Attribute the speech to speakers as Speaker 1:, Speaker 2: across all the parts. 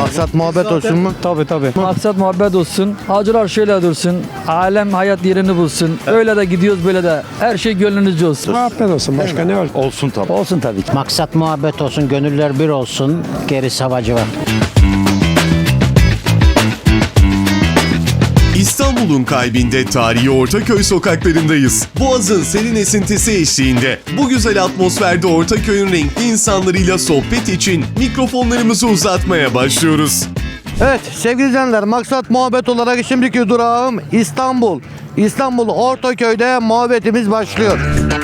Speaker 1: Maksat muhabbet olsun mu?
Speaker 2: Tabii. Maksat muhabbet olsun. Hacılar şöyle dursun. Alem hayat yerini bulsun. Öyle de gidiyoruz böyle de. Her şey gönlünüzce olsun.
Speaker 3: Muhabbet olsun. Başka ne var?
Speaker 4: Olsun tabii.
Speaker 2: Olsun tabii ki.
Speaker 5: Maksat muhabbet olsun, gönüller bir olsun, gerisi havacı var.
Speaker 6: İstanbul'un kalbinde tarihi Ortaköy sokaklarındayız. Boğaz'ın serin esintisi eşliğinde bu güzel atmosferde Ortaköy'ün renkli insanlarıyla sohbet için mikrofonlarımızı uzatmaya başlıyoruz.
Speaker 1: Evet sevgili izleyenler, maksat muhabbet olarak şimdiki durağım İstanbul. İstanbul Ortaköy'de muhabbetimiz başlıyor.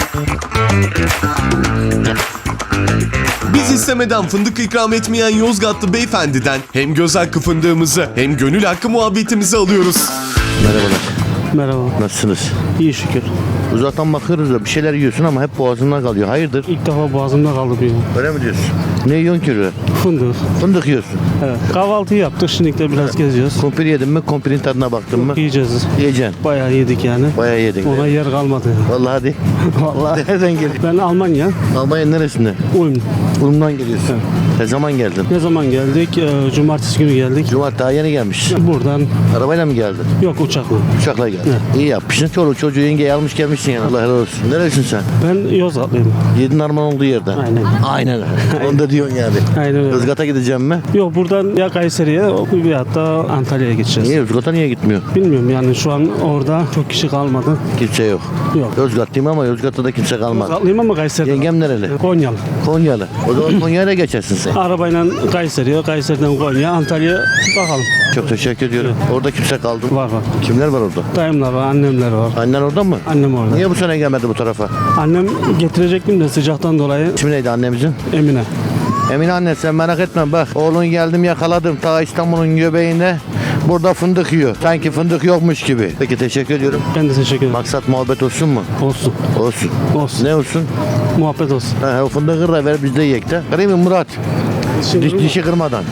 Speaker 6: Biz istemeden fındık ikram etmeyen Yozgatlı beyefendiden hem göz hakkı fındığımızı hem gönül hakkı muhabbetimizi alıyoruz.
Speaker 1: Merhabalar.
Speaker 3: Merhaba.
Speaker 1: Nasılsınız?
Speaker 3: İyi şükür.
Speaker 1: Uzaktan bakıyoruz da bir şeyler yiyorsun ama hep boğazında kalıyor. Hayırdır?
Speaker 3: İlk defa boğazımda kaldı bir.
Speaker 1: Öyle mi diyorsun? Ne yiyorsun ki öyle?
Speaker 3: Fındık.
Speaker 1: Fındık yiyorsun.
Speaker 3: Evet. Kahvaltı yaptık. Şimdi de biraz geziyoruz.
Speaker 1: Kumpir yedin mi? Kumpirin tadına baktın mı?
Speaker 3: Yiyeceğiz.
Speaker 1: Yiyeceksin.
Speaker 3: Bayağı yedik yani.
Speaker 1: Bayağı yedin.
Speaker 3: Ona yer kalmadı.
Speaker 1: Vallahi hadi.
Speaker 3: Vallahi.
Speaker 1: Nereden geliyorsun?
Speaker 3: Ben Almanya.
Speaker 1: Almanya neresinde?
Speaker 3: Ulm.
Speaker 1: Ulum'dan geliyorsun. Ne zaman geldin?
Speaker 3: Ne zaman geldik? Cumartesi günü geldik.
Speaker 1: Cumartesi daha yeni gelmiş.
Speaker 3: Buradan
Speaker 1: Arabayla mı geldin?
Speaker 3: yok uçakla.
Speaker 1: Uçakla geldin. İyi yapmışsın. Çoluk çocuğu yengeyi almış gelmişsin yani. Allah helal olsun. Neresin sen?
Speaker 3: Ben Yozgatlıyım.
Speaker 1: Yedin arman olduğu yerden.
Speaker 3: Aynen.
Speaker 1: Aynen. Onu da diyorsun yani.
Speaker 3: Aynen öyle.
Speaker 1: Yozgat'a gideceğim mi?
Speaker 3: Yok buradan ya Kayseri'ye ya hatta Antalya'ya geçeceğiz.
Speaker 1: Niye Yozgat'a niye gitmiyor?
Speaker 3: Bilmiyorum yani şu an orada çok kişi kalmadı.
Speaker 1: Kimse yok.
Speaker 3: Yok.
Speaker 1: Yozgatlıyım ama Yozgat'ta da kimse kalmadı.
Speaker 3: Yozgatlıyım ama Kayseri'de.
Speaker 1: Yengem nereli?
Speaker 3: Konyalı.
Speaker 1: Konyalı. O zaman Konya'ya geçersin sen.
Speaker 3: Arabayla Kayseri'ye, Kayseri'den Konya, Antalya bakalım.
Speaker 1: Çok teşekkür ediyorum. Orada kimse kaldı mı?
Speaker 3: Var.
Speaker 1: Kimler var orada?
Speaker 3: Dayımlar var, annemler var.
Speaker 1: Annen orada mı?
Speaker 3: Annem orada.
Speaker 1: Niye bu sene gelmedi bu tarafa?
Speaker 3: Annem getirecektim de sıcaktan dolayı
Speaker 1: İsmi neydi annemizin?
Speaker 3: Emine.
Speaker 1: Emine anne sen merak etme bak. Oğlun geldim yakaladım. Ta İstanbul'un göbeğinde. Burada fındık yiyor. Sanki fındık yokmuş gibi. Peki teşekkür ediyorum.
Speaker 3: Ben de teşekkür ederim.
Speaker 1: Maksat muhabbet olsun mu?
Speaker 3: Olsun.
Speaker 1: Olsun.
Speaker 3: Olsun.
Speaker 1: Ne olsun?
Speaker 3: Muhabbet olsun.
Speaker 1: Ha, o fındığı kır da ver biz de yiyek de. Kırayım mı Murat? Dişi kırmadan.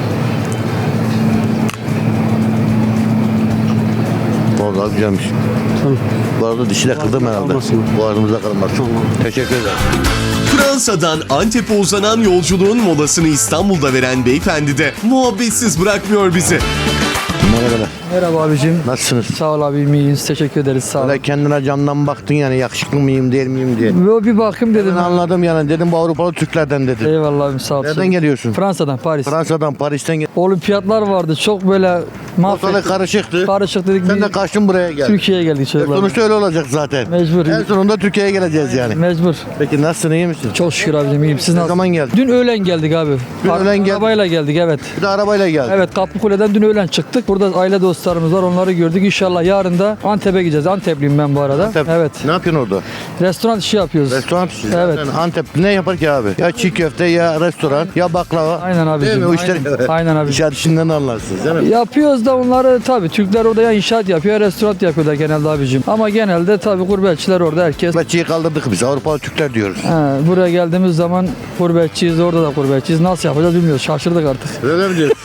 Speaker 1: Vallahi güzelmiş.
Speaker 3: Tamam.
Speaker 1: Bu arada dişi de kırdım herhalde.
Speaker 3: Kalmasın.
Speaker 1: Boğazımıza kalmasın.
Speaker 3: Tamam.
Speaker 1: Teşekkür ederim.
Speaker 6: Fransa'dan Antep'e uzanan yolculuğun molasını İstanbul'da veren beyefendi de muhabbetsiz bırakmıyor bizi.
Speaker 1: Merhabalar.
Speaker 2: Merhaba abicim.
Speaker 1: Nasılsınız?
Speaker 2: Sağ ol abim, iyiyiz. Teşekkür ederiz. Sağ ol.
Speaker 1: Böyle kendine camdan baktın yani yakışıklı mıyım değil miyim diye.
Speaker 2: Ve bir bakayım dedim.
Speaker 1: Ben anladım yani dedim bu Avrupalı Türklerden dedim.
Speaker 2: Eyvallah abim, sağ ol.
Speaker 1: Nereden geliyorsun?
Speaker 2: Fransa'dan, Paris.
Speaker 1: Fransa'dan, Paris'ten gel.
Speaker 2: Olimpiyatlar vardı. Çok böyle
Speaker 1: Ortalık karışıktı.
Speaker 2: Karışık dedik.
Speaker 1: Sen
Speaker 2: bir
Speaker 1: de kaçtın buraya geldin.
Speaker 2: Türkiye'ye geldik çocuklar.
Speaker 1: Sonuçta öyle olacak zaten.
Speaker 2: Mecbur.
Speaker 1: En sonunda Türkiye'ye geleceğiz yani.
Speaker 2: Mecbur.
Speaker 1: Peki nasılsın, iyi misin?
Speaker 2: Çok şükür abicim, iyiyim. Siz
Speaker 1: Ne
Speaker 2: nasılsınız?
Speaker 1: zaman geldin?
Speaker 2: Dün öğlen geldik abi.
Speaker 1: Dün öğlen geldin.
Speaker 2: Arabayla geldik, evet.
Speaker 1: Bir de arabayla geldin.
Speaker 2: Evet, Kaplıkule'den dün öğlen çıktık. Burada aile dostlarımız var, onları gördük. İnşallah yarın da Antep'e gideceğiz. Antepliyim ben bu arada.
Speaker 1: Antep.
Speaker 2: Evet.
Speaker 1: Ne yapıyorsun orada?
Speaker 2: Restoran işi yapıyoruz.
Speaker 1: Restoran işi.
Speaker 2: Evet.
Speaker 1: Zaten Antep ne yapar ki abi? Ya çiğ köfte ya restoran ya baklava.
Speaker 2: Aynen abicim.
Speaker 1: Değil mi? O işler
Speaker 2: Aynen abicim.
Speaker 1: İnşaat işinden anlarsınız değil mi?
Speaker 2: Yapıyoruz da onları tabii. Türkler orada ya inşaat yapıyor ya restoran yapıyorlar genelde abicim. Ama genelde tabii gurbetçiler orada herkes.
Speaker 1: Gurbetçiyi kaldırdık biz. Avrupalı Türkler diyoruz.
Speaker 2: Buraya geldiğimiz zaman gurbetçiyiz, orada da gurbetçiyiz. Nasıl yapacağız bilmiyoruz. Şaşırdık artık.
Speaker 1: Öyle mi diyorsun?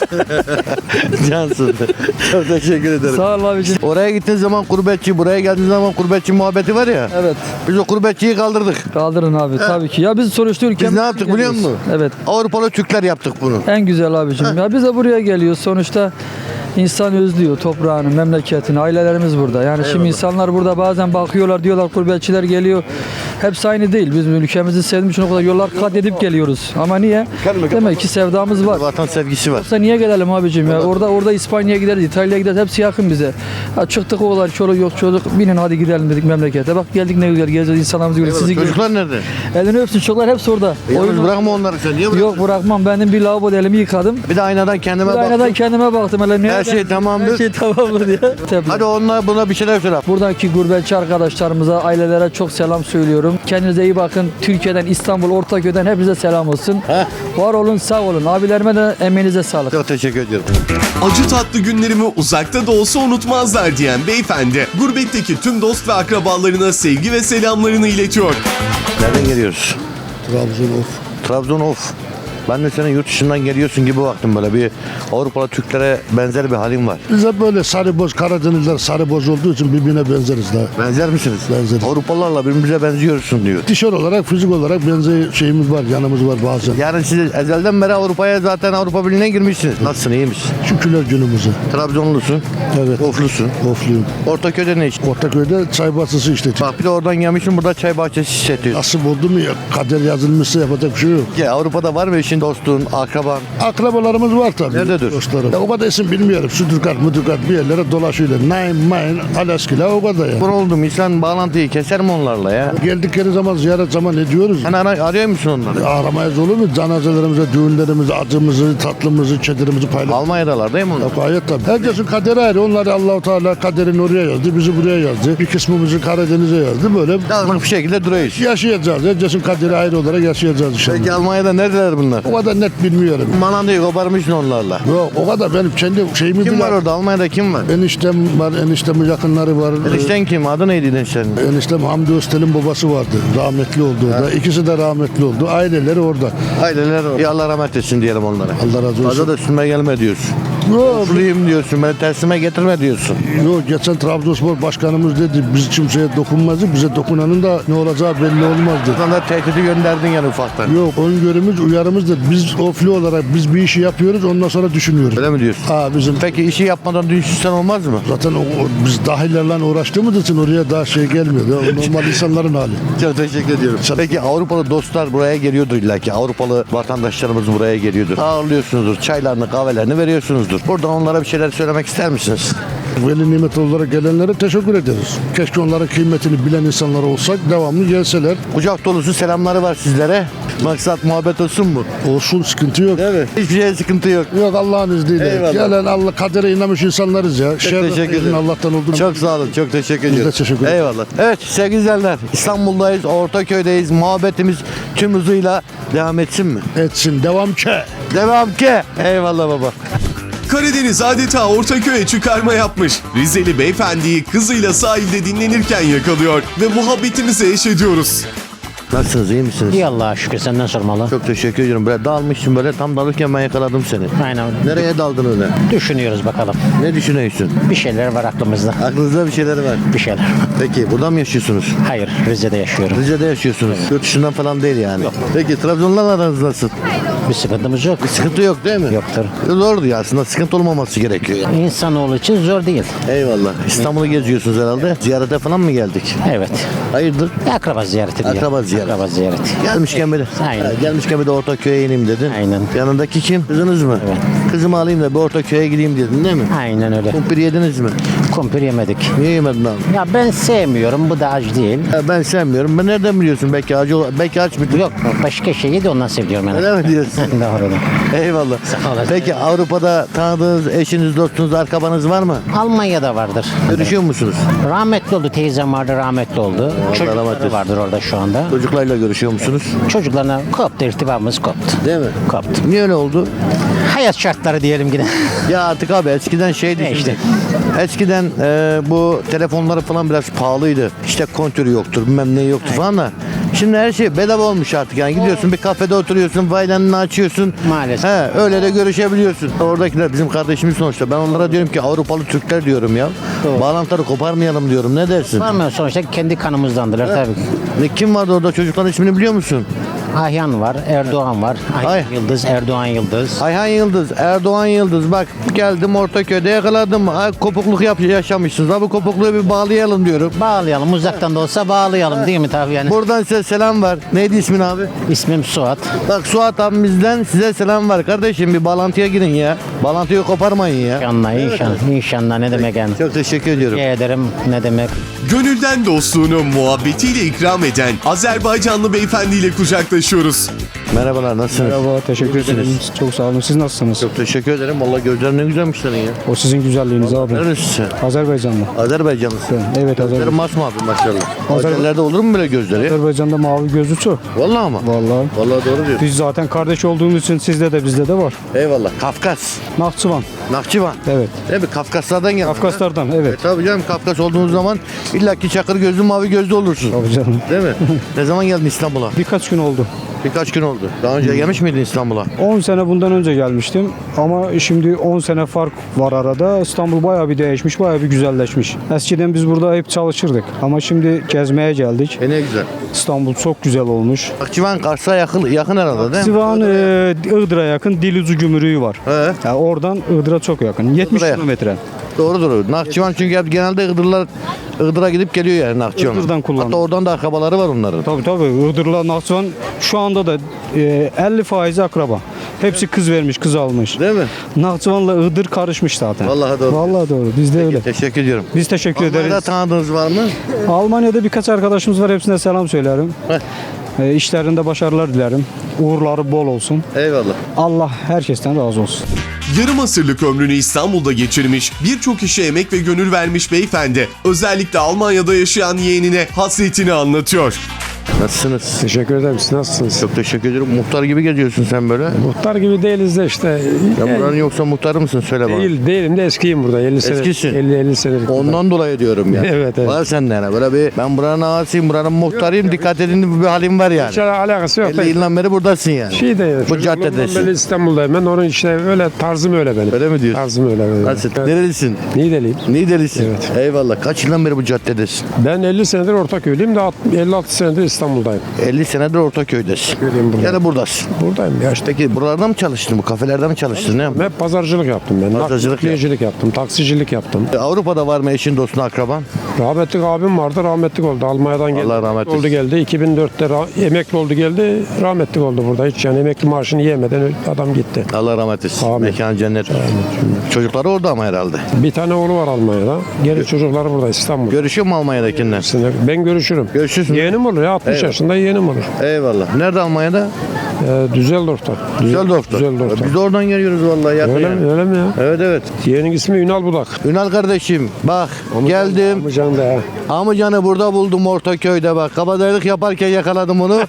Speaker 1: Cansın. Çok teşekkür ederim.
Speaker 2: Sağ ol abicim.
Speaker 1: Oraya gittiğin zaman gurbetçi, buraya geldiğin zaman gurbetçi muhabbeti var ya.
Speaker 2: Evet.
Speaker 1: Biz o gurbetçiyi kaldırdık.
Speaker 2: Kaldırın abi tabii ki. Ya biz sonuçta ülkemiz.
Speaker 1: Biz ne yaptık biliyor musun?
Speaker 2: Evet.
Speaker 1: Avrupalı Türkler yaptık bunu.
Speaker 2: En güzel abicim. Ya biz de buraya geliyoruz. Sonuçta insan özlüyor toprağını, memleketini. Ailelerimiz burada. Yani şimdi insanlar burada bazen bakıyorlar, diyorlar gurbetçiler geliyor. Hepsi aynı değil. Biz ülkemizi sevdiğimiz için o kadar yollar kat edip geliyoruz. Ama niye? Demek ki sevdamız var.
Speaker 1: Vatan sevgisi var.
Speaker 2: Yoksa niye gelelim abicim ya? Orada İspanya'ya gideriz, İtalya'ya gideriz. Hepsi yakın bize. Ya çıktık o kadar çoluk yok çocuk. Binin hadi gidelim dedik memlekete. Bak geldik ne güzel geziyoruz, insanlarımızı görüyoruz. Sizi görüyoruz.
Speaker 1: Çocuklar nerede?
Speaker 2: Elini öpsün çocuklar hepsi orada.
Speaker 1: Yalnız bırakma onları sen. Niye bırakıyorsun?
Speaker 2: Yok bırakmam. Benim bir lavaboda elimi yıkadım.
Speaker 1: Bir de aynadan kendime
Speaker 2: Bir
Speaker 1: baktım.
Speaker 2: aynadan kendime baktım. Hele
Speaker 1: Her şey tamamdır.
Speaker 2: Her şey tamamdır diye.
Speaker 1: Hadi onunla buna bir şeyler söyle.
Speaker 2: Buradaki gurbetçi arkadaşlarımıza, ailelere çok selam söylüyorum. Kendinize iyi bakın. Türkiye'den, İstanbul, Ortaköy'den hepinize selam olsun. Var olun, sağ olun. Abilerime de emeğinize sağlık.
Speaker 1: Çok teşekkür ediyorum.
Speaker 6: Acı tatlı günlerimi uzakta da olsa unutmazlar diyen beyefendi, gurbetteki tüm dost ve akrabalarına sevgi ve selamlarını iletiyor.
Speaker 1: Nereden geliyoruz?
Speaker 7: Trabzon of.
Speaker 1: Trabzon of. Ben de senin yurt dışından geliyorsun gibi baktım böyle. Bir Avrupalı Türklere benzer bir halin var.
Speaker 4: Biz hep böyle sarı boz, Karadenizler sarı boz olduğu için birbirine benzeriz daha.
Speaker 1: Benzer misiniz?
Speaker 4: Benzeriz.
Speaker 1: Avrupalılarla birbirimize benziyorsun diyor.
Speaker 4: Tişört olarak, fizik olarak benzer şeyimiz var, yanımız var bazen.
Speaker 1: Yani siz ezelden beri Avrupa'ya zaten Avrupa Birliği'ne girmişsiniz. Nasılsın, iyi misin?
Speaker 4: Şükürler günümüze.
Speaker 1: Trabzonlusun,
Speaker 4: Evet.
Speaker 1: Oflusun.
Speaker 4: Ofluyum.
Speaker 1: Ortaköy'de ne iş?
Speaker 4: Ortaköy'de çay bahçesi işletiyor.
Speaker 1: Bak bir de oradan gelmişsin, burada çay bahçesi işletiyorsun.
Speaker 4: Nasip oldu mu ya, kader yazılmışsa yapacak bir şey yok.
Speaker 1: Ya Avrupa'da var mı eşin, dostun, akraban?
Speaker 4: Akrabalarımız var tabii.
Speaker 1: Nerededir?
Speaker 4: Dostlarım. Ya o kadar isim bilmiyorum. Südürkat, müdürkat bir yerlere dolaşıyorlar. Naim, Main, Alaskila o kadar ya.
Speaker 1: Bu oldu mu? İnsan bağlantıyı keser mi onlarla ya?
Speaker 4: Geldikleri zaman ziyaret zaman ediyoruz.
Speaker 1: Sen arıyor musun onları?
Speaker 4: Aramayız olur mu? Cenazelerimize, düğünlerimize, acımızı, tatlımızı, çedirimizi paylaşıyoruz.
Speaker 1: Almanya'dalar değil mi onlar?
Speaker 4: Gayet tabii. Herkesin kaderi ayrı. Onları Allah-u Teala kaderini oraya yazdı. Bizi buraya yazdı. Bir kısmımızı Karadeniz'e yazdı. Böyle
Speaker 1: Dağınık bir şekilde duruyoruz.
Speaker 4: yaşayacağız. Herkesin kaderi ayrı olarak yaşayacağız inşallah.
Speaker 1: Peki Almanya'da neredeler bunlar?
Speaker 4: O kadar net bilmiyorum.
Speaker 1: Manandayı koparmışsın onlarla.
Speaker 4: Yok o kadar benim kendi şeyimi
Speaker 1: Kim
Speaker 4: bile-
Speaker 1: var orada? Almanya'da kim var?
Speaker 4: Eniştem var, eniştemin yakınları var.
Speaker 1: Enişten kim? Adı neydi eniştenin?
Speaker 4: Eniştem Hamdi Öztel'in babası vardı. Rahmetli oldu orada. İkisi de rahmetli oldu. Aileleri orada.
Speaker 1: Aileler orada. Ya Allah rahmet etsin diyelim onlara.
Speaker 4: Allah razı olsun.
Speaker 1: Fazla da üstüme gelme diyorsun.
Speaker 4: Yok,
Speaker 1: Ofluyum diyorsun. Beni tersime getirme diyorsun.
Speaker 4: yok, geçen Trabzonspor başkanımız dedi biz kimseye dokunmazdık. Bize dokunanın da ne olacağı belli olmaz dedi.
Speaker 1: Buradan da tehdidi gönderdin yani ufaktan.
Speaker 4: Yok öngörümüz uyarımızdır. Biz ofli olarak biz bir işi yapıyoruz ondan sonra düşünüyoruz.
Speaker 1: Öyle mi diyorsun?
Speaker 4: Ha bizim
Speaker 1: Peki işi yapmadan düşünsen olmaz mı?
Speaker 4: zaten biz dahillerle uğraştığımız için oraya daha şey gelmiyor. Ya, normal insanların hali.
Speaker 1: Çok teşekkür ediyorum. Peki Avrupalı dostlar buraya geliyordur illa ki. Avrupalı vatandaşlarımız buraya geliyordur. Ağırlıyorsunuzdur. Çaylarını, kahvelerini veriyorsunuzdur. Buradan onlara bir şeyler söylemek ister misiniz?
Speaker 4: Veli nimet olarak gelenlere teşekkür ederiz. Keşke onların kıymetini bilen insanlar olsak devamlı gelseler.
Speaker 1: Kucak dolusu selamları var sizlere. Maksat muhabbet olsun mu?
Speaker 4: Olsun sıkıntı yok.
Speaker 1: Değil mi? Hiçbir şeye sıkıntı yok.
Speaker 4: Yok Allah'ın izniyle.
Speaker 1: Eyvallah.
Speaker 4: Gelen Allah kadere inanmış insanlarız ya.
Speaker 1: Çok teşekkür ederim.
Speaker 4: Allah'tan olduğunu.
Speaker 1: Çok sağ olun. Çok teşekkür ediyorum.
Speaker 4: teşekkür ederiz.
Speaker 1: Eyvallah. Evet sevgili izleyenler, İstanbul'dayız. Ortaköy'deyiz. Muhabbetimiz tüm hızıyla devam etsin mi?
Speaker 4: etsin. Devam ki.
Speaker 1: Devam ki. Eyvallah baba.
Speaker 6: Karadeniz adeta Ortaköy'e çıkarma yapmış. Rizeli beyefendiyi kızıyla sahilde dinlenirken yakalıyor ve muhabbetimize eş ediyoruz.
Speaker 1: Nasılsınız? İyi misiniz?
Speaker 5: İyi Allah'a şükür, senden sormalı.
Speaker 1: Çok teşekkür ediyorum. Böyle dalmışsın böyle. Tam dalırken ben yakaladım seni.
Speaker 5: Aynen.
Speaker 1: Nereye daldın öyle?
Speaker 5: Düşünüyoruz bakalım.
Speaker 1: Ne düşünüyorsun?
Speaker 5: Bir şeyler var aklımızda.
Speaker 1: Aklınızda bir şeyler var.
Speaker 5: Bir şeyler.
Speaker 1: Peki burada mı yaşıyorsunuz?
Speaker 5: Hayır, Rize'de yaşıyorum.
Speaker 1: Rize'de yaşıyorsunuz. Yurt dışından falan değil yani. Peki Trabzon'la aranız nasıl?
Speaker 5: Bir sıkıntımız yok.
Speaker 1: Sıkıntı yok değil mi?
Speaker 5: Yoktur.
Speaker 1: Zordu ya aslında. Sıkıntı olmaması gerekiyor.
Speaker 5: İnsanoğlu için zor değil.
Speaker 1: Eyvallah. İstanbul'u geziyorsunuz herhalde. Ziyarete falan mı geldik?
Speaker 5: Evet.
Speaker 1: Hayırdır?
Speaker 5: Akraba ziyareti diyor.
Speaker 1: Akraba ziyareti.
Speaker 5: Akraba ziyareti.
Speaker 1: Gelmişken bir de.
Speaker 5: Aynen.
Speaker 1: Ha, gelmişken bir de Ortaköy'e ineyim dedin.
Speaker 5: Aynen.
Speaker 1: Yanındaki kim? Kızınız mı?
Speaker 5: Evet.
Speaker 1: Kızımı alayım da bir Ortaköy'e gideyim dedin değil mi?
Speaker 5: Aynen öyle.
Speaker 1: Kumpir yediniz mi?
Speaker 5: Kumpir yemedik.
Speaker 1: Niye yemedin abi?
Speaker 5: Ya ben sevmiyorum. Bu da acı değil.
Speaker 1: Ya ben sevmiyorum. Ben nereden biliyorsun? Belki aç bir
Speaker 5: Yok. Başka şeyi de ondan seviyorum yani.
Speaker 1: Öyle mi diyorsun?
Speaker 5: Doğru.
Speaker 1: Eyvallah.
Speaker 5: Sağ olasın.
Speaker 1: Peki Avrupa'da tanıdığınız eşiniz, dostunuz, arkabanız var mı?
Speaker 5: Almanya'da vardır.
Speaker 1: Görüşüyor musunuz?
Speaker 5: Rahmetli oldu. Teyzem vardı, rahmetli oldu.
Speaker 1: rahmet
Speaker 5: Çocukları
Speaker 1: eylesin.
Speaker 5: vardır orada şu anda.
Speaker 1: Çocuklarla görüşüyor musunuz?
Speaker 5: Çocuklarına koptu, irtibamız koptu.
Speaker 1: Değil mi?
Speaker 5: Koptu.
Speaker 1: Niye öyle oldu?
Speaker 5: Hayat şartları diyelim yine.
Speaker 1: Ya artık abi eskiden şeydi.
Speaker 5: Ne işte?
Speaker 1: Eskiden bu telefonları falan biraz pahalıydı. İşte kontürü yoktur, bilmem ne yoktu falan da. Şimdi her şey bedava olmuş artık yani. Gidiyorsun bir kafede oturuyorsun, vaylanını açıyorsun.
Speaker 5: Maalesef.
Speaker 1: He, öyle de görüşebiliyorsun. Oradakiler bizim kardeşimiz sonuçta. Ben onlara diyorum ki Avrupalı Türkler diyorum ya.
Speaker 5: Doğru.
Speaker 1: Bağlantıları koparmayalım diyorum. Ne dersin?
Speaker 5: Var mı? Sonuçta kendi kanımızdandırlar tabii.
Speaker 1: Ne, kim vardı orada? Çocukların ismini biliyor musun?
Speaker 5: Ahyan var, Erdoğan var.
Speaker 1: Ay.
Speaker 5: Ayhan Yıldız, Erdoğan Yıldız.
Speaker 1: Ayhan Yıldız, Erdoğan Yıldız. Bak geldim Ortaköy'de yakaladım. Ay, kopukluk yaşamışsınız. Ha, bu kopukluğu bir bağlayalım diyorum.
Speaker 5: Bağlayalım, uzaktan da olsa bağlayalım değil mi tabii yani.
Speaker 1: Buradan size selam var. Neydi ismin abi?
Speaker 5: İsmim Suat.
Speaker 1: Bak Suat abimizden size selam var. Kardeşim bir bağlantıya girin ya. Bağlantıyı koparmayın ya.
Speaker 5: İnşallah, inşallah ne demek yani.
Speaker 1: Çok teşekkür ediyorum.
Speaker 5: Rica ederim ne demek.
Speaker 6: Gönülden dostluğunu muhabbetiyle ikram eden Azerbaycanlı beyefendiyle kucaklaşıyoruz.
Speaker 1: Merhabalar, nasılsınız?
Speaker 7: Merhaba, teşekkür ederim. Çok sağ olun. Siz nasılsınız?
Speaker 1: Çok teşekkür ederim. Vallahi gözlerin ne güzelmiş senin ya.
Speaker 7: O sizin güzelliğiniz abi.
Speaker 1: Nerelisin sen?
Speaker 7: Azerbaycanlı.
Speaker 1: Azerbaycanlısın.
Speaker 7: Evet,
Speaker 1: Gözleri
Speaker 7: Azerbaycan.
Speaker 1: masmavi maşallah. Azerlerde olur mu böyle gözleri?
Speaker 7: Azerbaycan'da mavi gözlü çok.
Speaker 1: Vallahi mı?
Speaker 7: Vallahi.
Speaker 1: Vallahi doğru diyorsun.
Speaker 7: Biz zaten kardeş olduğumuz için sizde de bizde de var.
Speaker 1: Eyvallah. Kafkas.
Speaker 7: Nahçıvan.
Speaker 1: Nakçıvan.
Speaker 7: Evet.
Speaker 1: Değil mi? Kafkaslardan geldin.
Speaker 7: Kafkaslardan evet.
Speaker 1: Tabii canım Kafkas olduğunuz zaman illaki çakır gözlü mavi gözlü olursun.
Speaker 7: Tabii canım.
Speaker 1: Değil mi? Ne zaman geldin İstanbul'a?
Speaker 7: Birkaç gün oldu.
Speaker 1: Birkaç gün oldu. Daha önce gelmiş miydin İstanbul'a?
Speaker 7: 10 sene bundan önce gelmiştim ama şimdi 10 sene fark var arada. İstanbul bayağı bir değişmiş, bayağı bir güzelleşmiş. Eskiden biz burada hep çalışırdık ama şimdi gezmeye geldik.
Speaker 1: Ne güzel.
Speaker 7: İstanbul çok güzel olmuş.
Speaker 1: Akçıvan Kars'a yakın herhalde değil mi?
Speaker 7: Sivan Iğdır'a yakın Dilucu Gümrüğü var.
Speaker 1: He.
Speaker 7: Yani oradan Iğdır'a çok yakın. 70
Speaker 1: Iğdır'a.
Speaker 7: kilometre.
Speaker 1: Doğrudur. Nakçıvan çünkü hep genelde Iğdır'a gidip geliyor yani Nakçıvan.
Speaker 7: Iğdır'dan kullanıyor.
Speaker 1: Hatta oradan da akrabaları var onların.
Speaker 7: Tabii Iğdır'la Nakçıvan şu anda da 50% akraba. Hepsi kız vermiş, kız almış.
Speaker 1: Değil mi?
Speaker 7: Nakçıvan'la Iğdır karışmış zaten.
Speaker 1: Vallahi doğru.
Speaker 7: Vallahi doğru. Biz de öyle.
Speaker 1: Teşekkür ediyorum.
Speaker 7: Biz teşekkür
Speaker 1: Almanya'da
Speaker 7: ederiz.
Speaker 1: tanıdığınız var mı?
Speaker 7: Almanya'da birkaç arkadaşımız var. Hepsine selam söylerim.
Speaker 1: Heh.
Speaker 7: İşlerinde başarılar dilerim. Uğurları bol olsun.
Speaker 1: Eyvallah.
Speaker 7: Allah herkesten razı olsun.
Speaker 6: Yarım asırlık ömrünü İstanbul'da geçirmiş, birçok işe emek ve gönül vermiş beyefendi, özellikle Almanya'da yaşayan yeğenine hasretini anlatıyor.
Speaker 1: Nasılsınız?
Speaker 8: Teşekkür ederim. Siz nasılsınız?
Speaker 1: Çok teşekkür ederim. Muhtar gibi geziyorsun sen böyle.
Speaker 8: Muhtar gibi değiliz de işte.
Speaker 1: Ya buranın yoksa muhtarı mısın? Söyle bana.
Speaker 8: Değilim de eskiyim burada. 50 sene.
Speaker 1: Eskisin.
Speaker 8: 50 senelik.
Speaker 1: Ondan dolayı diyorum ya.
Speaker 8: Evet.
Speaker 1: Var sende yani. Böyle bir ben buranın ağasıyım, buranın muhtarıyım. Dikkat edin bir halim var yani.
Speaker 8: Hiç alakası yok.
Speaker 1: 50 yıldan beri buradasın yani.
Speaker 8: Şey de
Speaker 1: Bu caddedesin.
Speaker 8: Ben İstanbul'dayım. Ben onun işte öyle tarzım öyle benim.
Speaker 1: Öyle mi diyorsun?
Speaker 8: Tarzım öyle benim.
Speaker 1: Nasıl?
Speaker 8: Evet.
Speaker 1: Nerelisin?
Speaker 8: Niğdeliyim.
Speaker 1: Niğdelisin.
Speaker 8: Evet.
Speaker 1: Eyvallah. Kaç yıldan beri bu caddedesin?
Speaker 8: Ben 50 senedir Ortaköy'lüyüm de 56 senedir İstanbul'dayım.
Speaker 1: 50 senedir Ortaköy'desin.
Speaker 8: Göreyim burada.
Speaker 1: Yani buradasın.
Speaker 8: Buradayım ya işte.
Speaker 1: Peki buralarda mı çalıştın? Bu kafelerde mi çalıştın? Ne yaptın?
Speaker 8: Hep pazarcılık yaptım ben.
Speaker 1: Pazarcılık
Speaker 8: Nakliyecilik yaptım. Taksicilik yaptım.
Speaker 1: Avrupa'da var mı eşin, dostun, akraban?
Speaker 8: Rahmetli abim vardı. Rahmetli oldu. Almanya'dan geldi.
Speaker 1: Allah rahmet
Speaker 8: Oldu geldi. 2004'te emekli oldu geldi. Rahmetli oldu burada. Hiç yani emekli maaşını yemeden adam gitti.
Speaker 1: Allah rahmet etsin.
Speaker 8: Amin.
Speaker 1: Mekan cennet. Çocukları orada ama herhalde.
Speaker 8: Bir tane oğlu var Almanya'da. Geri çocukları burada İstanbul'da.
Speaker 1: Görüşüyor mu Almanya'dakinden?
Speaker 8: Ben görüşürüm.
Speaker 1: Görüşürsün.
Speaker 8: Yeğenim olur ya 60
Speaker 1: Eyvallah.
Speaker 8: yaşında yeğenim olur.
Speaker 1: Eyvallah. Nerede Almanya'da?
Speaker 8: Düsseldorf'ta.
Speaker 1: Düsseldorf'ta.
Speaker 8: Düsseldorf'ta.
Speaker 1: Biz de oradan geliyoruz vallahi. Yakın
Speaker 8: Öyle
Speaker 1: yani.
Speaker 8: mi? Öyle mi ya?
Speaker 1: Evet evet.
Speaker 8: Yeğenin ismi Ünal Budak.
Speaker 1: Ünal kardeşim bak geldim.
Speaker 8: Amcan da.
Speaker 1: Amcanı burada buldum Ortaköy'de bak. Kabadayılık yaparken yakaladım onu.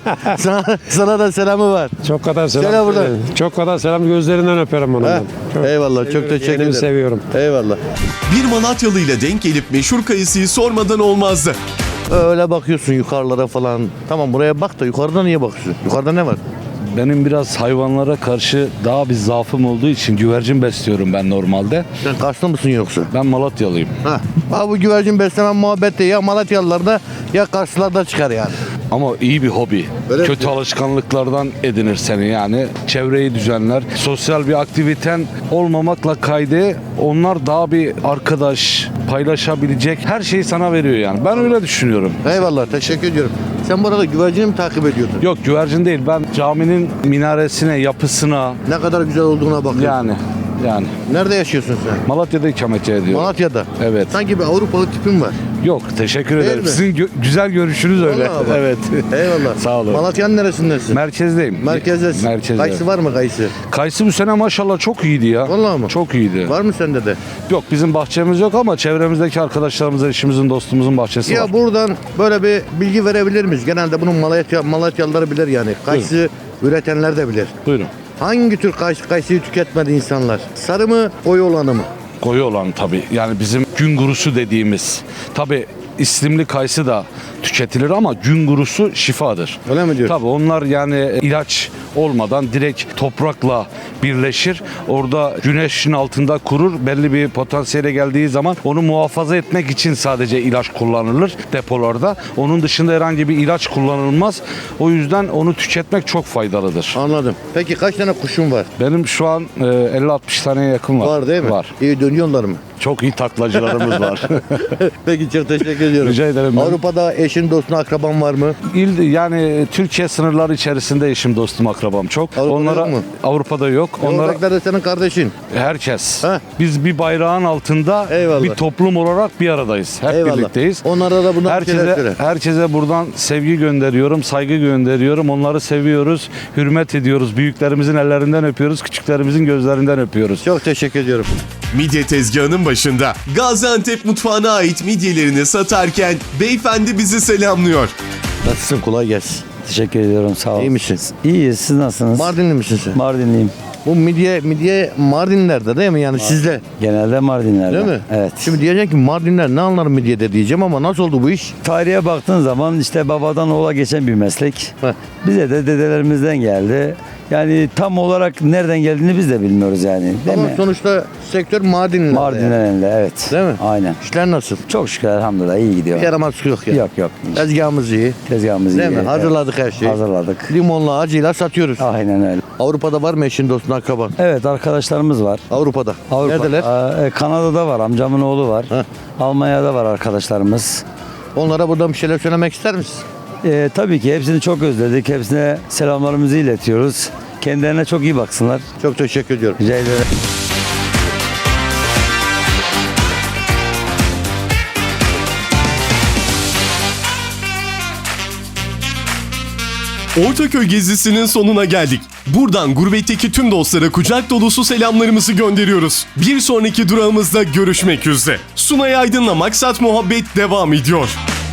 Speaker 1: sana da selamı var.
Speaker 8: Çok kadar selam.
Speaker 1: Söyle buradan.
Speaker 8: Çok kadar selam gözlerinden öperim onu.
Speaker 1: Heh.
Speaker 8: ben.
Speaker 1: Eyvallah çok
Speaker 8: Seviyorum,
Speaker 1: teşekkür
Speaker 8: yeğenimi
Speaker 1: ederim.
Speaker 8: seviyorum.
Speaker 1: Eyvallah.
Speaker 6: Bir Malatyalı ile denk gelip meşhur kayısıyı sormadan olmazdı.
Speaker 1: Öyle bakıyorsun yukarılara falan. Tamam buraya bak da yukarıda niye bakıyorsun? Yukarıda ne var?
Speaker 9: Benim biraz hayvanlara karşı daha bir zaafım olduğu için güvercin besliyorum ben normalde.
Speaker 1: Sen Karslı mısın yoksa?
Speaker 9: Ben Malatyalıyım.
Speaker 1: Ha bu güvercin besleme muhabbette ya Malatyalılarda ya Karslılarda çıkar yani.
Speaker 9: Ama iyi bir hobi.
Speaker 1: Öyle
Speaker 9: Kötü
Speaker 1: mi?
Speaker 9: alışkanlıklardan edinir seni yani. Çevreyi düzenler. Sosyal bir aktiviten olmamakla kaydı onlar daha bir arkadaş, paylaşabilecek her şeyi sana veriyor yani. Ben öyle düşünüyorum.
Speaker 1: Eyvallah teşekkür ediyorum. Sen bu arada güvercini mi takip ediyordun?
Speaker 9: Yok güvercin değil. Ben caminin minaresine, yapısına
Speaker 1: Ne kadar güzel olduğuna bakıyorsun.
Speaker 9: yani
Speaker 1: Nerede yaşıyorsun sen?
Speaker 9: Malatya'da ikamet ediyorum.
Speaker 1: Malatya'da.
Speaker 9: Evet.
Speaker 1: Sanki bir Avrupalı tipin var.
Speaker 9: Yok teşekkür
Speaker 1: Değil
Speaker 9: ederim.
Speaker 1: mi?
Speaker 9: Sizin güzel görüşünüz öyle.
Speaker 1: Vallahi bak.
Speaker 9: Evet.
Speaker 1: Eyvallah.
Speaker 9: Sağ olun.
Speaker 1: Malatya'nın neresindesin?
Speaker 9: Merkezdeyim.
Speaker 1: Merkezdesin.
Speaker 9: Merkezde.
Speaker 1: Kayısı var mı kayısı?
Speaker 9: Kayısı bu sene maşallah çok iyiydi ya.
Speaker 1: Vallahi mı?
Speaker 9: Çok iyiydi.
Speaker 1: Var mı sende de?
Speaker 9: Yok bizim bahçemiz yok ama çevremizdeki arkadaşlarımızın, eşimizin, dostumuzun bahçesi var.
Speaker 1: Ya buradan böyle bir bilgi verebilir miyiz? Genelde bunu Malatyalılar bilir yani. Kayısı üretenler de bilir.
Speaker 9: Buyurun.
Speaker 1: Hangi tür kayısıyı tüketmedi insanlar? Sarı mı, koyu olanı mı?
Speaker 9: Koyu olan tabii. Yani bizim gün gurusu dediğimiz. Tabii islimli kayısı da tüketilir ama gün gurusu şifadır.
Speaker 1: Öyle mi diyorsun?
Speaker 9: Tabii onlar yani ilaç olmadan direkt toprakla birleşir. Orada güneşin altında kurur. Belli bir potansiyele geldiği zaman onu muhafaza etmek için sadece ilaç kullanılır depolarda. Onun dışında herhangi bir ilaç kullanılmaz. O yüzden onu tüketmek çok faydalıdır.
Speaker 1: Anladım. Peki kaç tane kuşun var?
Speaker 9: Benim şu an 50-60 taneye yakın var.
Speaker 1: Var değil mi?
Speaker 9: Var.
Speaker 1: İyi dönüyorlar mı?
Speaker 9: Çok iyi taklacılarımız var.
Speaker 1: Peki çok teşekkür ediyorum.
Speaker 9: Rica ederim ben.
Speaker 1: Avrupa'da eşin, dostun, akraban var mı?
Speaker 9: Yani Türkiye sınırları içerisinde eşim, dostum, akrabam çok.
Speaker 1: Avrupa'da yok mu?
Speaker 9: Avrupa'da yok. Onlara
Speaker 1: Oradakiler de senin kardeşin.
Speaker 9: herkes.
Speaker 1: Heh.
Speaker 9: Biz bir bayrağın altında
Speaker 1: Eyvallah.
Speaker 9: bir toplum olarak bir aradayız. Hep
Speaker 1: Eyvallah.
Speaker 9: birlikteyiz.
Speaker 1: Onlara da bundan bir şeyler söyle.
Speaker 9: Herkese buradan sevgi gönderiyorum, saygı gönderiyorum. Onları seviyoruz, hürmet ediyoruz. Büyüklerimizin ellerinden öpüyoruz, küçüklerimizin gözlerinden öpüyoruz.
Speaker 1: Çok teşekkür ediyorum.
Speaker 6: Midye tezgahının başında Gaziantep mutfağına ait midyelerini satarken beyefendi bizi selamlıyor.
Speaker 1: Nasılsın? Kolay gelsin.
Speaker 10: Teşekkür ediyorum sağ olun.
Speaker 1: İyi misin?
Speaker 10: İyiyiz siz nasılsınız?
Speaker 1: Mardinli misin sen?
Speaker 10: Mardinliyim.
Speaker 1: Bu midye Mardinler'de değil mi yani sizde?
Speaker 10: Genelde Mardinler'de.
Speaker 1: Değil mi?
Speaker 10: Evet.
Speaker 1: Şimdi diyecek ki Mardinler ne anlar midyede diyeceğim ama nasıl oldu bu iş?
Speaker 10: Tarihe baktığın zaman işte babadan oğula geçen bir meslek.
Speaker 1: Heh.
Speaker 10: Bize de dedelerimizden geldi. Yani tam olarak nereden geldiğini biz de bilmiyoruz yani. Değil
Speaker 1: Ama
Speaker 10: mi?
Speaker 1: sonuçta sektör Mardinler'de.
Speaker 10: Mardin'den elinde, evet.
Speaker 1: Değil mi?
Speaker 10: Aynen.
Speaker 1: İşler nasıl?
Speaker 10: Çok şükür elhamdülillah iyi gidiyor.
Speaker 1: Bir yaramazlık yok ya.
Speaker 10: Yok.
Speaker 1: Tezgahımız iyi.
Speaker 10: Tezgahımız iyi.
Speaker 1: Değil mi?
Speaker 10: Evet.
Speaker 1: Hazırladık her şeyi.
Speaker 10: Hazırladık.
Speaker 1: Limonla acıyla satıyoruz.
Speaker 10: Aynen öyle.
Speaker 1: Avrupa'da var mı eşin dostun akraban?
Speaker 10: Evet, arkadaşlarımız var.
Speaker 1: Avrupa'da. Neredeler?
Speaker 10: Kanada'da var, amcamın oğlu var.
Speaker 1: Heh.
Speaker 10: Almanya'da var arkadaşlarımız.
Speaker 1: Onlara buradan bir şeyler söylemek ister misin?
Speaker 10: Tabii ki hepsini çok özledik. Hepsine selamlarımızı iletiyoruz. Kendilerine çok iyi baksınlar.
Speaker 1: Çok teşekkür ediyorum.
Speaker 10: Rica ederim.
Speaker 6: Ortaköy gezisinin sonuna geldik. Buradan gurbetteki tüm dostlara kucak dolusu selamlarımızı gönderiyoruz. Bir sonraki durağımızda görüşmek üzere. Sunay Aydın'la Maksat Muhabbet devam ediyor.